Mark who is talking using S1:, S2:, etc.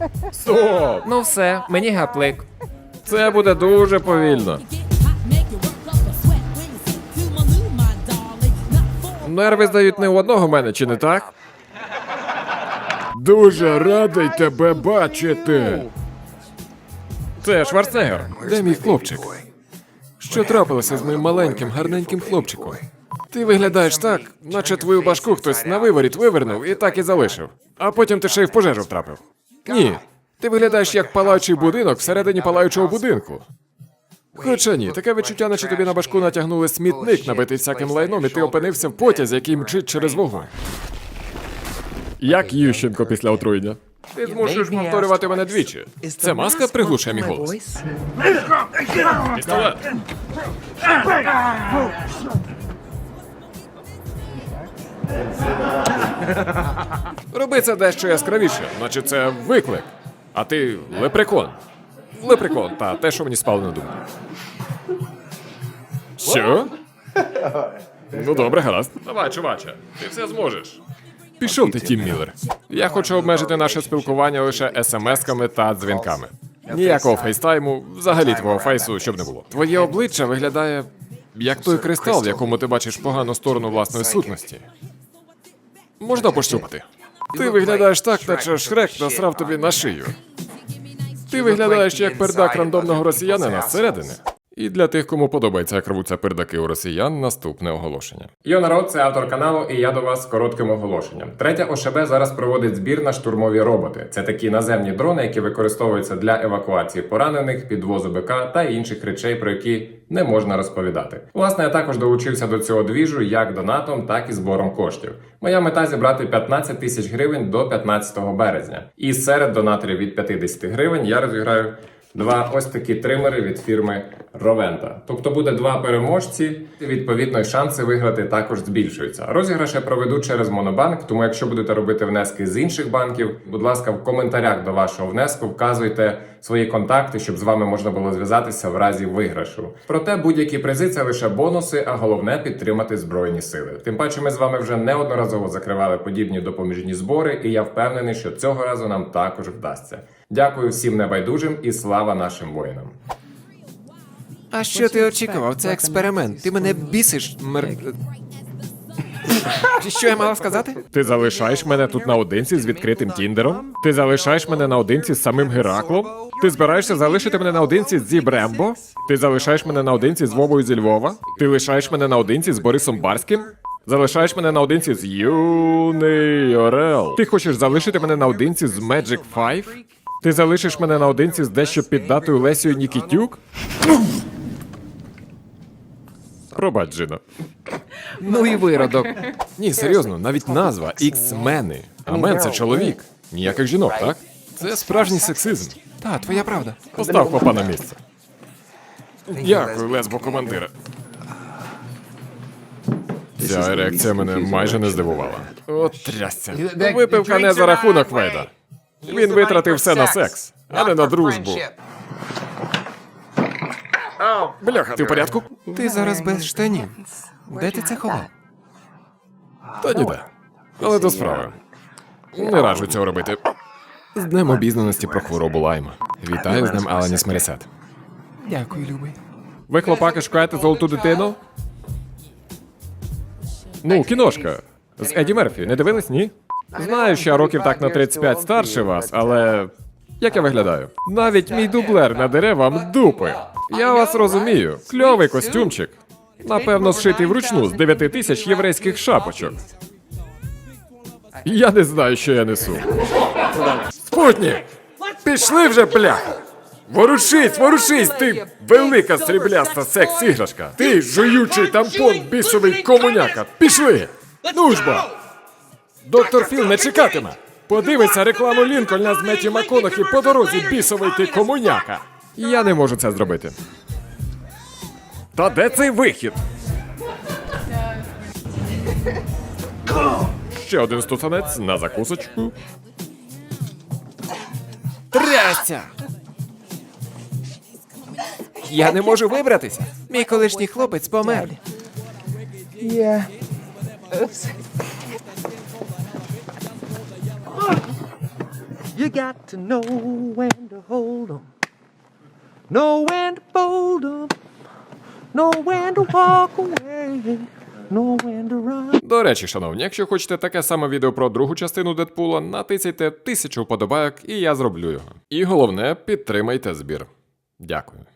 S1: Стоп!
S2: Ну все, мені гаплик.
S1: Це буде дуже повільно. Нерви здають не у одного мене, чи не так? Дуже радий тебе бачити. Це Шварценеггер. Де мій хлопчик? Що трапилося з моїм маленьким, гарненьким хлопчиком? Ти виглядаєш так, наче твою башку хтось на виворіт вивернув і так і залишив. А потім ти ще й в пожежу втрапив. Ні. Ти виглядаєш як палаючий будинок всередині палаючого будинку. Хоча ні, таке відчуття, наче тобі на башку натягнули смітник, набитий всяким лайном, і ти опинився в потязі, який мчить через вогонь. Як Ющенко після отруєння. Ти змушуєш повторювати мене двічі. Це маска приглушує мій голос. Пістолет! Роби це дещо яскравіше, наче це виклик. А ти лепрекон. Лепрекон, та те, що мені спало на думку. Що? Ну добре, гаразд. Давай, чуваче, ти все зможеш. Пішов ти, Тім Міллер. Я хочу обмежити наше спілкування лише смс-ками та дзвінками. Ніякого фейстайму, взагалі твого фейсу, щоб не було. Твоє обличчя виглядає як той кристал, в якому ти бачиш погану сторону власної сутності. Можна пощупати. Ти виглядаєш так, наче Шрек насрав тобі на шию. Ти виглядаєш як пердак рандомного росіянина зсередини. І для тих, кому подобається, як рвуться пердаки у росіян, наступне оголошення. Йо, народ, це автор каналу, і я до вас з коротким оголошенням. Третя ОШБ зараз проводить збір на штурмові роботи. Це такі наземні дрони, які використовуються для евакуації поранених, підвозу БК та інших речей, про які не можна розповідати. Власне, я також долучився до цього двіжу як донатом, так і збором коштів. Моя мета зібрати 15 тисяч гривень до 15 березня. І серед донаторів від 50 гривень я розіграю два ось такі тримери від фірми Ровента. Тобто буде два переможці, і відповідно й шанси виграти також збільшуються. Розіграш я проведу через Монобанк, тому якщо будете робити внески з інших банків, будь ласка, в коментарях до вашого внеску вказуйте свої контакти, щоб з вами можна було зв'язатися в разі виграшу. Проте будь-які призи – це лише бонуси, а головне – підтримати Збройні Сили. Тим паче ми з вами вже неодноразово закривали подібні допоміжні збори, і я впевнений, що цього разу нам також вдасться. Дякую всім небайдужим і слава нашим воїнам.
S2: А що ти очікував? Це експеримент. Ти мене бісиш, Що я мала сказати?
S1: Ти залишаєш мене тут наодинці з відкритим Тіндером? Ти залишаєш мене наодинці з самим Гераклом? Ти збираєшся залишити мене наодинці з Зіб Рембо? Ти залишаєш мене наодинці з Вовою зі Львова? Ти лишаєш мене наодинці з Борисом Барським? Залишаєш мене наодинці з Юний Орел? Ти хочеш залишити мене наодинці з Magic 5? Ти залишиш мене наодинці з дещо піддатою Лесією Нікітюк? Пробач, Джино.
S2: Ну і виродок.
S1: Ні, серйозно, навіть назва Ікс-мени. А мен – це чоловік. Ніяких жінок, так? Це справжній сексизм.
S2: Та, твоя правда.
S1: Постав папа на місце. Дякую, лесбо-командира. Ця ерекція мене майже не здивувала. От трясця. Випивка не за рахунок Вейда. Він витратив все на секс, а не на дружбу. Бляха, ти в порядку?
S2: Ти зараз без штанів. Де ти це ховав?
S1: Та ніде. Але до справи. Не раджу цього робити. З Днем обізнаності про хворобу Лайма. Вітаю з Днем Аланіс Мерісет.
S2: Дякую, любий.
S1: Ви, хлопаки, шукаєте золоту дитину? Ну, кіношка. З Еді Мерфі. Не дивились, ні? Знаю, що я років так на 35 старше вас, але... Як я виглядаю? Навіть мій дублер надере вам дупи. Я вас розумію. Кльовий костюмчик. Напевно, зшитий вручну з 9 тисяч єврейських шапочок. Я не знаю, що я несу. Спутник! Пішли вже, бляха! Ворушись, ворушись, ти велика срібляста секс-іграшка! Ти жуючий тампон бісовий комуняка! Пішли! Ну ж бо! Доктор Філ не чекатиме! Подивися рекламу Лінкольна з Меті МакКонахі по дорозі, бісовий ти комуняка! Я не можу це зробити. Та де цей вихід? Ще один стусанець на закусочку.
S2: Трясся! Я не можу вибратися. Мій колишній хлопець помер.
S3: You got to know when to hold 'em, know when to fold 'em, know when to walk away, know when to run.
S1: До речі, шановні, якщо хочете таке саме відео про другу частину Дедпула, натисяйте 1000 вподобайок і я зроблю його. І головне, підтримайте збір. Дякую.